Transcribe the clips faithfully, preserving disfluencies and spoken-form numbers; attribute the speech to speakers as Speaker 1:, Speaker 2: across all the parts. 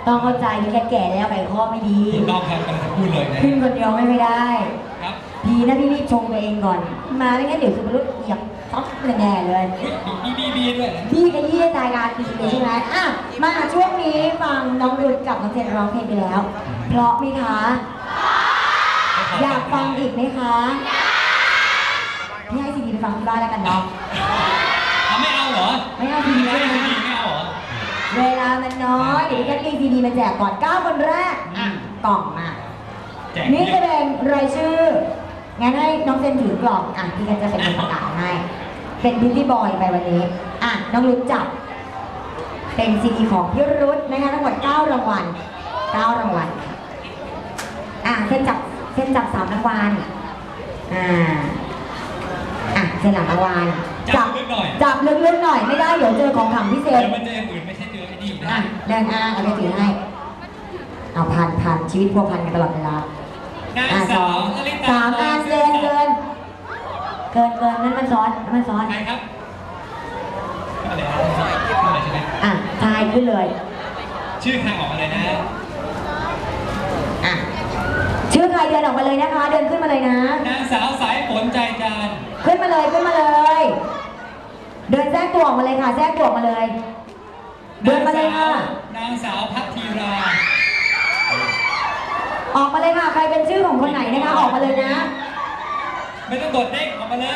Speaker 1: ต้องเข้าใจพี่แคทแก่แล้วไขข้อไม่ดี
Speaker 2: ถูกต้องครับกำลังจะพูดเลยนะ
Speaker 1: ขึ้นคนเดียวไม่ได้
Speaker 2: ครับ
Speaker 1: ดีนะพี่รีบชงตัวเองก่อน มาไม่งั้นเดี๋ยวสุภรุษเหยียบท็อปแน่ๆเลย
Speaker 2: มีบีบีด้วยนะ
Speaker 1: พี่ขยี้รายการดีเลยใช่ไหมอ่ะมาช่วงนี้ฟังน้องรุดกับน้องเจนร้องเพลงไปแล้ว เพราะไหมคะ อยากฟังอีกไหมคะพี่ให้ซีดีไปฟังที่บ้านแล้วกันเนาะ
Speaker 2: เอาไม่เอาเหรอ
Speaker 1: ไม่เอาซีดี
Speaker 2: ไม่
Speaker 1: ใช่ไหม
Speaker 2: เอาซีดีไม่เอาเหรอ
Speaker 1: เวลามันน้อยเดี๋ยวพี่แคทมีซีดีมาแจกก่อนเก้าคนแรกอ่ะกล่องมา
Speaker 2: แจก
Speaker 1: นี่แสดงรายชื่อ งั้นให้น้องเจนถือกล่อง อ่ะพี่กันจะเป็นคนประกาศให้ เป็นพิตตี้บอยไปวันนี้ อ่ะน้องรุ้จับ เป็นซีดีของพี่รุ้นะคะทั้งหมดเก้ารางวัลเก้ารางวัล อ่ะเส้นจับเส้นจับสามรางวัล อ่า อ่ะเส้นหลังรางวัล
Speaker 2: จับลึกหน่อย
Speaker 1: จับลึกๆหน่อยไม่ได้เดี๋ยวเจอของขลังพิเศษ
Speaker 2: เดี๋ยวมันเจออย่างอื่นไม่ใช่เจอไอ้นี่นะ
Speaker 1: อ่ะเดินอ่ะเอาไปถือให้ เอาพันพันชีวิตพัวพันกันตลอดเวลา
Speaker 2: นาง
Speaker 1: อ่ะส
Speaker 2: สา
Speaker 1: อ
Speaker 2: ว
Speaker 1: ง
Speaker 2: อลิ
Speaker 1: สามอันเกินเกินเกินเกินนั่นมันซ้อนนั่นมันซ้อน
Speaker 2: ใครครับอะไรนะอะไรใช่ไหม
Speaker 1: อ่ะทายขึ้นเลย
Speaker 2: ชื่อใครออกมาเลยนะ
Speaker 1: อ่ะชื่อใครเดินออกมาเลยนะคะ เดินขึ้นมาเลยนะ
Speaker 2: นางสาวสายฝนใจจาน
Speaker 1: ขึ้นมาเลยขึ้นมาเลย เดินแทรกตัวออกมาเลยค่ะแทรกตัวออกมาเลย เดินมาเลยค่ะ
Speaker 2: นางสาวพัทธีรา
Speaker 1: ออกมาเลยค่ะ ใครเป็นชื่อของคนไหนนะคะ ออกมาเลยนะ
Speaker 2: ไม่ต้องกดเด้งออกมาเลย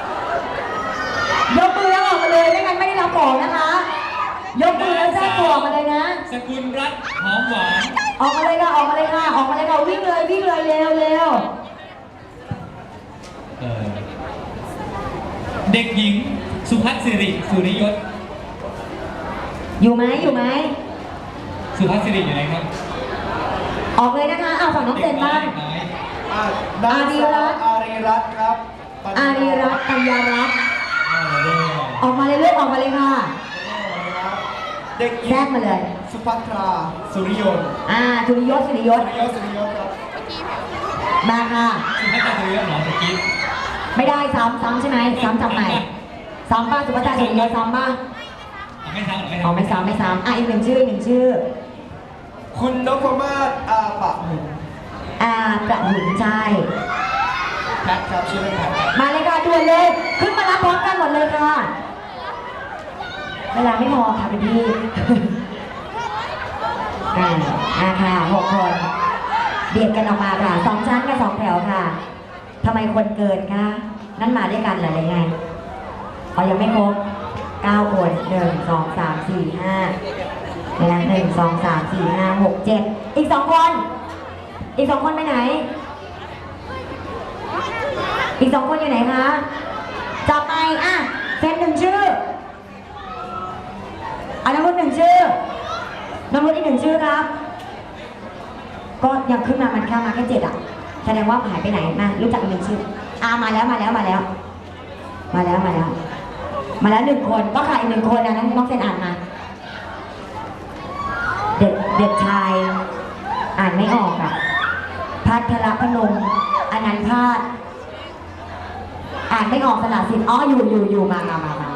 Speaker 1: ยกมือแล้วออกมาเลยไม่งั้นไม่ได้รับของนะคะ ยกมือแล้วแทรกตัวออกมาเลยนะ
Speaker 2: สกุลรัตน์หอมหวาน
Speaker 1: ออกมาเลยค่ะออกมาเลยค่ะออกมาเลยค่ะวิ่งเลยวิ่งเลยเร็วเร็ว
Speaker 2: เออเด็กหญิงสุภัสสิริสุริยศ
Speaker 1: อยู่ไหมอยู่ไหม
Speaker 2: สุภัสสิริอยู่ไหนครับ
Speaker 1: ออกเลยนะคะเอาฝั่งน้องเจนบ้าง
Speaker 2: ด็กน้อย
Speaker 3: อ่ะนางสาวอารีรัตน์ครับ
Speaker 1: อารีรัตน์ปัญญารัตน์
Speaker 2: เอาเลย
Speaker 1: ออกมาเลยเลือกออกมาเลยค่ะ
Speaker 3: เด็กหญิ
Speaker 1: แทรก
Speaker 3: ง
Speaker 1: มาเลย
Speaker 3: สุภัทราสุริยนต์
Speaker 1: อ่าสุริยศสุริยศ
Speaker 3: สุริยศสุริยศครับ
Speaker 1: มาค่ะ
Speaker 2: สุภัสสิริเหรอตะกี้
Speaker 1: ไม่ได้ซ้ำซ้ำใช่ไหมซ้ำจำใหม่ซ้ำป้าสุภัทราสุริยศซ้ำป้า
Speaker 2: เอาไม่ทำหรอไม่
Speaker 1: อ๋อ
Speaker 2: ทำ
Speaker 1: ไม่ซ้ำไม่ซ้ำอ่ะอีกหนึ่งชื่ออีกหนึ่งชื่อ
Speaker 3: คุณนพมาศอาปะหุน
Speaker 1: อ่าประหุนใช่
Speaker 3: แพทครับชื่อเล่นแพทครับ
Speaker 1: มาเลยค่ะด่วนเลยขึ้นมารับพร้อมกันหมดเลยค่ะ เวลาไม่พอค่ะพี่พี่ อ่าอ่าค่ะหกคนเบียดกันออกมาค่ะสองชั้นกับสองแถวค่ะทำไมคนเกินคะนั่นมาด้วยกันเหรอหรือไงอ๋อยังไม่ครบเก้าคนหนึ่งสองสามสี่ห้านะหนึ่งสองสามสี่ห้าหกเจ็ดอีกสองคน อีกสองคนไปไหน อีกสองคนอยู่ไหนคะจับไปอ่ะเซ็นหนึ่งชื่ออันน้ำรุดหนึ่งชื่อน้ำรุดอีกหนึ่งชื่อครับ ก็ยังขึ้นมามันแค่มาแค่เจ็ดอ่ะแสดงว่าหายไปไหนมารู้จักอีกหนึ่งชื่ออ่ามาแล้วมาแล้วมาแล้ว มาแล้วมาแล้ว มาแล้วหนึ่งคนก็ขาดอีกหนึ่งคนนะนั้นน้องเซนอ่านมา เด็กเด็กชายอ่านไม่ออกอ่ะพัทรพนมอนันต์พาดอ่านไม่ออกสละสิทธิ์อ๋ออยู่อยู่อยู่มามามามา